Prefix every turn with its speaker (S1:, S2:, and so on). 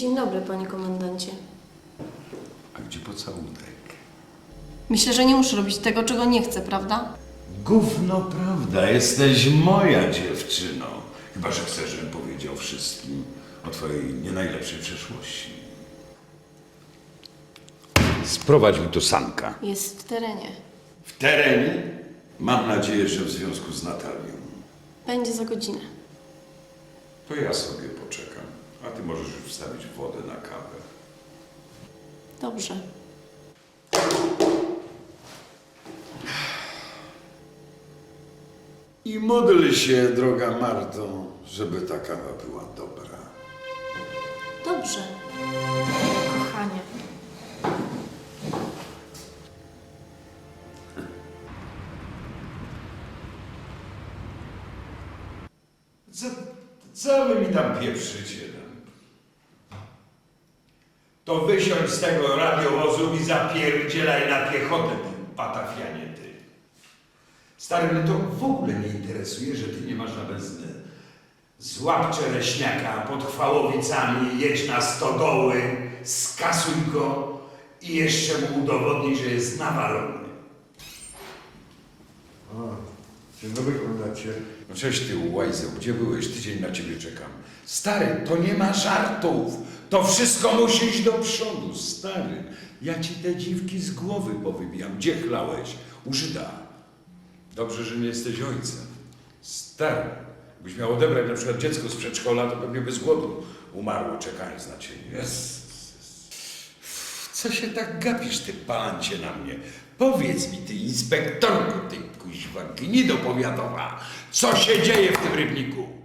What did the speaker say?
S1: Dzień dobry, panie komendancie.
S2: A gdzie pocałunek?
S1: Myślę, że nie muszę robić tego, czego nie chcę, prawda?
S2: Gówno prawda, jesteś moja dziewczyną. Chyba że chcesz, żebym powiedział wszystkim o twojej nie najlepszej przeszłości. Sprowadź mi tu Sanka.
S1: Jest w terenie.
S2: W terenie? Mam nadzieję, że w związku z Natalią.
S1: Będzie za godzinę.
S2: To ja sobie poczekam, a ty możesz już wstawić wodę na kawę.
S1: Dobrze.
S2: I módl się, droga Marto, żeby ta kawa była dobra.
S1: Dobrze. Kochanie.
S2: Co wy mi tam pieprzycie? To wysiądź z tego radiowozu i zapierdzielaj na piechotę, ty patafianie, ty. Stary, mnie to w ogóle nie interesuje, że ty nie masz na benzynę. Złap Czereśniaka pod Chwałowicami, jedź na stodoły, skasuj go i jeszcze mu udowodnij, że jest nawalony.
S3: Dzień dobry, komendancie.
S2: No cześć ty, łajzeł, gdzie byłeś? Tydzień na ciebie czekam. Stary, to nie ma żartów. To wszystko musi iść do przodu, stary. Ja ci te dziwki z głowy powybijam. Gdzie chlałeś? U Żyda. Dobrze, że nie jesteś ojcem. Stary, jakbyś miał odebrać na przykład dziecko z przedszkola, to pewnie by z głodu umarło, czekając na ciebie. Jezus. Co się tak gapisz, ty palancie na mnie? Powiedz mi, ty inspektorku, ty kuźwa gnido powiatowa, co się dzieje w tym rybniku?